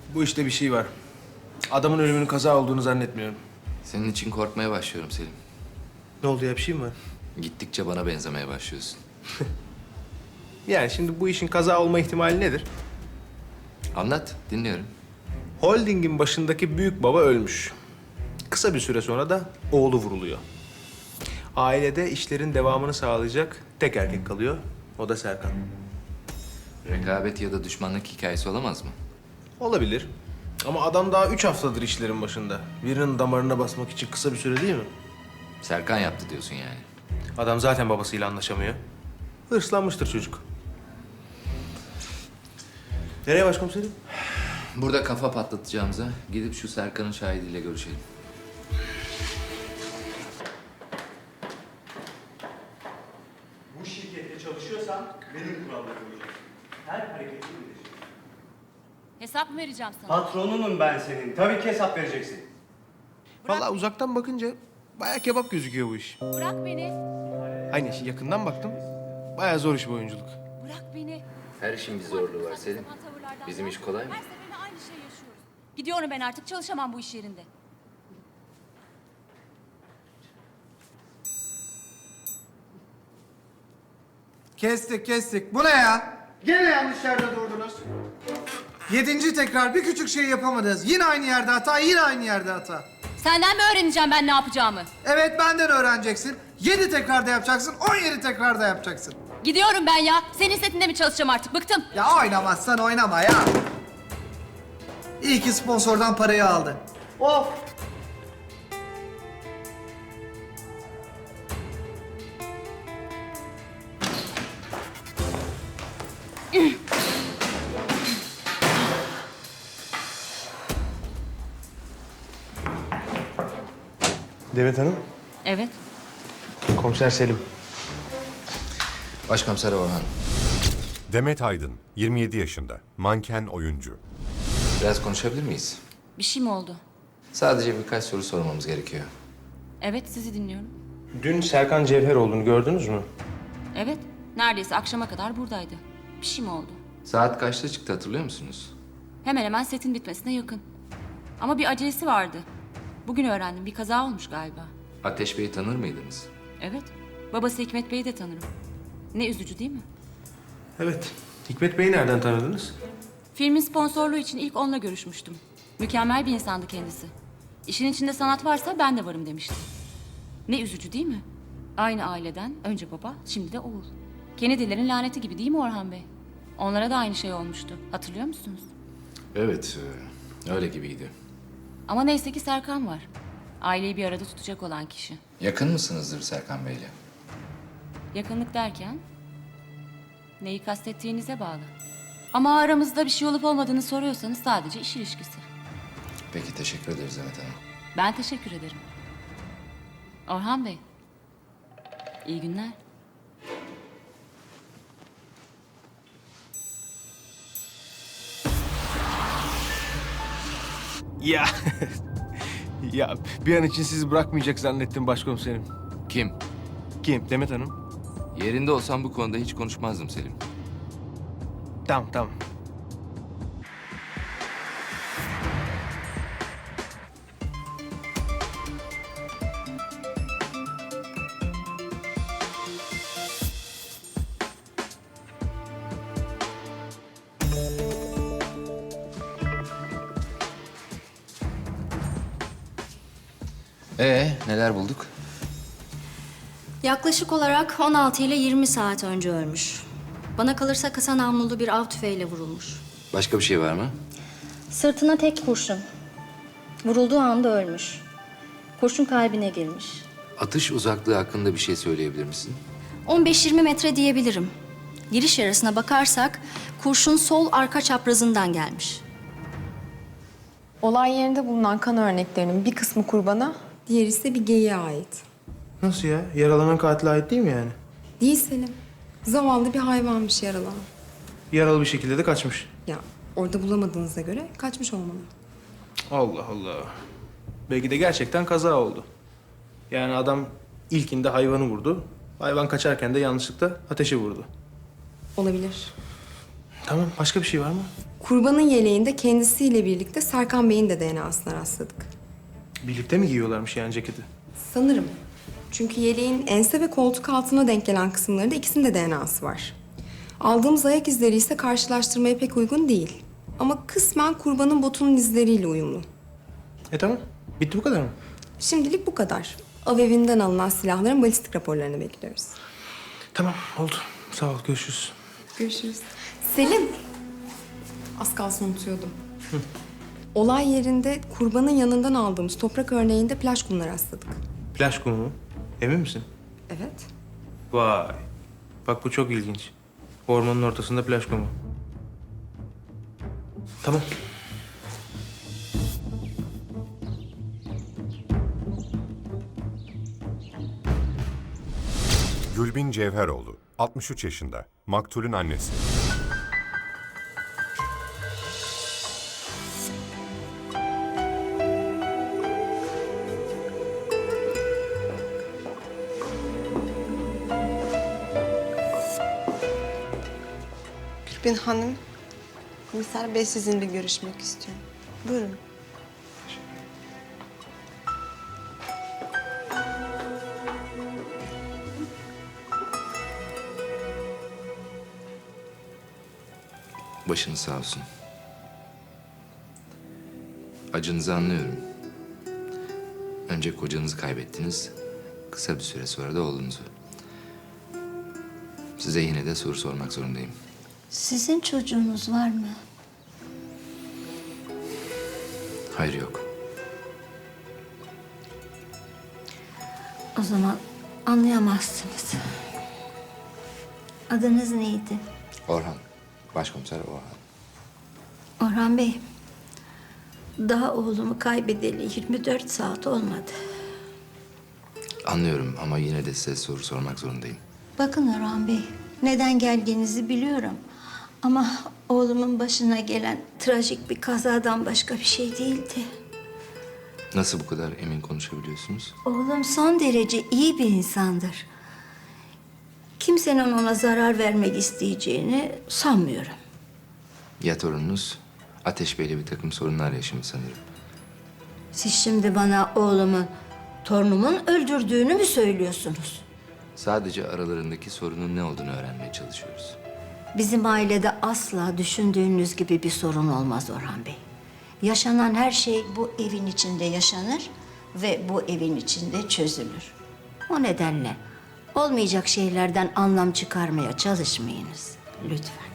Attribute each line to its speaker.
Speaker 1: Bu işte bir şey var. Adamın ölümünün kaza olduğunu zannetmiyorum.
Speaker 2: Senin için korkmaya başlıyorum Selim.
Speaker 1: Ne oldu ya, bir şey mi var?
Speaker 2: Gittikçe bana benzemeye başlıyorsun.
Speaker 1: Yani şimdi bu işin kaza olma ihtimali nedir?
Speaker 2: Anlat, dinliyorum.
Speaker 1: Holding'in başındaki büyük baba ölmüş. Kısa bir süre sonra da oğlu vuruluyor. Ailede işlerin devamını sağlayacak tek erkek kalıyor. O da Serkan.
Speaker 2: Rekabet ya da düşmanlık hikayesi olamaz mı?
Speaker 1: Olabilir. Ama adam daha 3 haftadır işlerin başında. Birinin damarına basmak için kısa bir süre değil mi?
Speaker 2: Serkan yaptı diyorsun yani.
Speaker 1: Adam zaten babasıyla anlaşamıyor. Hırslanmıştır çocuk. Nereye başkomiserim?
Speaker 2: Burada kafa patlatacağımıza gidip şu Serkan'ın şahidiyle görüşelim.
Speaker 3: Bu şirkette çalışıyorsan benim kurallarımı uyacaksın. Her hareketini bileceksin.
Speaker 4: Hesap mı vereceğim sana?
Speaker 3: Patronunum ben senin. Tabii ki hesap vereceksin.
Speaker 1: Vallahi uzaktan bakınca bayağı kebap gözüküyor bu iş.
Speaker 4: Bırak beni.
Speaker 1: Aynı işi yakından baktım. Bayağı zor iş bu oyunculuk.
Speaker 4: Bırak beni.
Speaker 2: Her işin bir zorluğu var Selim. Bizim iş kolay mı?
Speaker 4: Her seferinde aynı şeyi yaşıyoruz. Gidiyorum ben artık, çalışamam bu iş yerinde.
Speaker 5: Kestik. Bu ne ya?
Speaker 3: Gene yanlış yerde durdunuz.
Speaker 5: 7. tekrar bir küçük şey yapamadınız. Yine aynı yerde hata, yine aynı yerde hata.
Speaker 4: Senden mi öğreneceğim ben ne yapacağımı?
Speaker 5: Evet, benden öğreneceksin. 7 tekrarda yapacaksın, 17 tekrarda yapacaksın.
Speaker 4: Gidiyorum ben ya. Senin setinde mi çalışacağım artık? Bıktım.
Speaker 5: Ya oynamazsan oynama ya. İyi ki sponsordan parayı aldın.
Speaker 3: Of!
Speaker 1: Demet Hanım.
Speaker 4: Evet.
Speaker 1: Komiser Selim.
Speaker 2: Başkomiser Orhan,
Speaker 6: Demet Aydın, 27 yaşında, manken oyuncu.
Speaker 2: biraz konuşabilir miyiz?
Speaker 4: Bir şey mi oldu?
Speaker 2: Sadece birkaç soru sormamız gerekiyor.
Speaker 4: Evet, sizi dinliyorum.
Speaker 1: Dün Serkan Cevheroğlu'nu gördünüz mü?
Speaker 4: Evet. Neredeyse akşama kadar buradaydı. Bir şey mi oldu?
Speaker 2: Saat kaçta çıktı hatırlıyor musunuz?
Speaker 4: Hemen hemen setin bitmesine yakın. Ama bir acelesi vardı. Bugün öğrendim. Bir kaza olmuş galiba.
Speaker 2: Ateş Bey'i tanır mıydınız?
Speaker 4: Evet. Babası Hikmet Bey'i de tanırım. Ne üzücü değil mi?
Speaker 1: Evet. Hikmet Bey'i nereden tanıdınız?
Speaker 4: Filmin sponsorluğu için ilk onunla görüşmüştüm. Mükemmel bir insandı kendisi. İşin içinde sanat varsa ben de varım demişti. Ne üzücü değil mi? Aynı aileden önce baba, şimdi de oğul. Kennedy'lerin laneti gibi değil mi Orhan Bey? Onlara da aynı şey olmuştu. Hatırlıyor musunuz?
Speaker 2: Evet, öyle gibiydi.
Speaker 4: Ama neyse ki Serkan var. Aileyi bir arada tutacak olan kişi.
Speaker 2: Yakın mısınızdır Serkan Bey'le?
Speaker 4: Yakınlık derken neyi kastettiğinize bağlı. Ama aramızda bir şey olup olmadığını soruyorsanız sadece iş ilişkisi.
Speaker 2: Peki, teşekkür ederiz Demet Hanım.
Speaker 4: Ben teşekkür ederim. Orhan Bey, iyi günler.
Speaker 1: Ya. Ya bir an için sizi bırakmayacak zannettim başkomiserim.
Speaker 2: Kim?
Speaker 1: Kim? Demet Hanım.
Speaker 2: Yerinde olsam bu konuda hiç konuşmazdım Selim.
Speaker 1: Tamam.
Speaker 2: Neler bulduk?
Speaker 7: Yaklaşık olarak 16 ile 20 saat önce ölmüş. Bana kalırsa kısa namlulu bir av tüfeğiyle vurulmuş.
Speaker 2: Başka bir şey var mı?
Speaker 7: Sırtına tek kurşun. Vurulduğu anda ölmüş. Kurşun kalbine girmiş.
Speaker 2: Atış uzaklığı hakkında bir şey söyleyebilir misin?
Speaker 7: 15-20 metre diyebilirim. Giriş yarasına bakarsak kurşun sol arka çaprazından gelmiş.
Speaker 8: Olay yerinde bulunan kan örneklerinin bir kısmı kurbana, diğeri ise bir geyiğe ait.
Speaker 1: Nasıl ya? Yaralanan katile ait değil mi yani?
Speaker 8: Değil Selim. Zavallı bir hayvanmış yaralanan.
Speaker 1: Yaralı bir şekilde de kaçmış.
Speaker 8: Ya orada bulamadığınıza göre kaçmış olmalı.
Speaker 1: Allah Allah. Belki de gerçekten kaza oldu. Yani adam ilkinde hayvanı vurdu. Hayvan kaçarken de yanlışlıkla ateşe vurdu.
Speaker 8: Olabilir.
Speaker 1: Tamam, başka bir şey var mı?
Speaker 8: Kurbanın yeleğinde kendisiyle birlikte Serkan Bey'in de DNA'sına rastladık.
Speaker 1: Birlikte mi giyiyorlarmış yani ceketi?
Speaker 8: Sanırım. Çünkü yeleğin ense ve koltuk altına denk gelen kısımlarında ikisinin de DNA'sı var. Aldığımız ayak izleri ise karşılaştırmaya pek uygun değil. Ama kısmen kurbanın botunun izleriyle uyumlu.
Speaker 1: Tamam. Bitti bu kadar mı?
Speaker 8: Şimdilik bu kadar. Av evinden alınan silahların balistik raporlarını bekliyoruz.
Speaker 1: Tamam oldu. Sağ ol görüşürüz.
Speaker 8: Görüşürüz. Selim. Az kalsın unutuyordum. Olay yerinde kurbanın yanından aldığımız toprak örneğinde plaj kumuna rastladık.
Speaker 1: Plaj kumu mu? Emin misin?
Speaker 8: Evet.
Speaker 1: Vay. Bak bu çok ilginç. Ormanın ortasında plaj kumu. Tamam.
Speaker 6: Gülbin Cevheroğlu, 63 yaşında, maktulün annesi.
Speaker 9: Gülbin Hanım, komiser bey sizinle görüşmek istiyor. Buyurun.
Speaker 2: Başınız sağ olsun. Acınızı anlıyorum. Önce kocanızı kaybettiniz. Kısa bir süre sonra da oğlunuzu. Size yine de soru sormak zorundayım.
Speaker 10: Sizin çocuğunuz var mı?
Speaker 2: Hayır yok.
Speaker 10: O zaman anlayamazsınız. Adınız neydi?
Speaker 2: Orhan. Başkomiser Orhan.
Speaker 10: Orhan Bey. Daha oğlumu kaybedeli 24 saat olmadı.
Speaker 2: Anlıyorum ama yine de size soru sormak zorundayım.
Speaker 10: Bakın Orhan Bey, neden geldiğinizi biliyorum. Ama oğlumun başına gelen trajik bir kazadan başka bir şey değildi.
Speaker 2: Nasıl bu kadar emin konuşabiliyorsunuz?
Speaker 10: Oğlum son derece iyi bir insandır. Kimsenin ona zarar vermek isteyeceğini sanmıyorum.
Speaker 2: Ya torununuz? Ateş Bey'le bir takım sorunlar yaşamış sanırım.
Speaker 10: Siz şimdi bana oğlumun, torunumun öldürdüğünü mü söylüyorsunuz?
Speaker 2: Sadece aralarındaki sorunun ne olduğunu öğrenmeye çalışıyoruz.
Speaker 10: Bizim ailede asla düşündüğünüz gibi bir sorun olmaz Orhan Bey. Yaşanan her şey bu evin içinde yaşanır ve bu evin içinde çözülür. O nedenle olmayacak şeylerden anlam çıkarmaya çalışmayınız lütfen.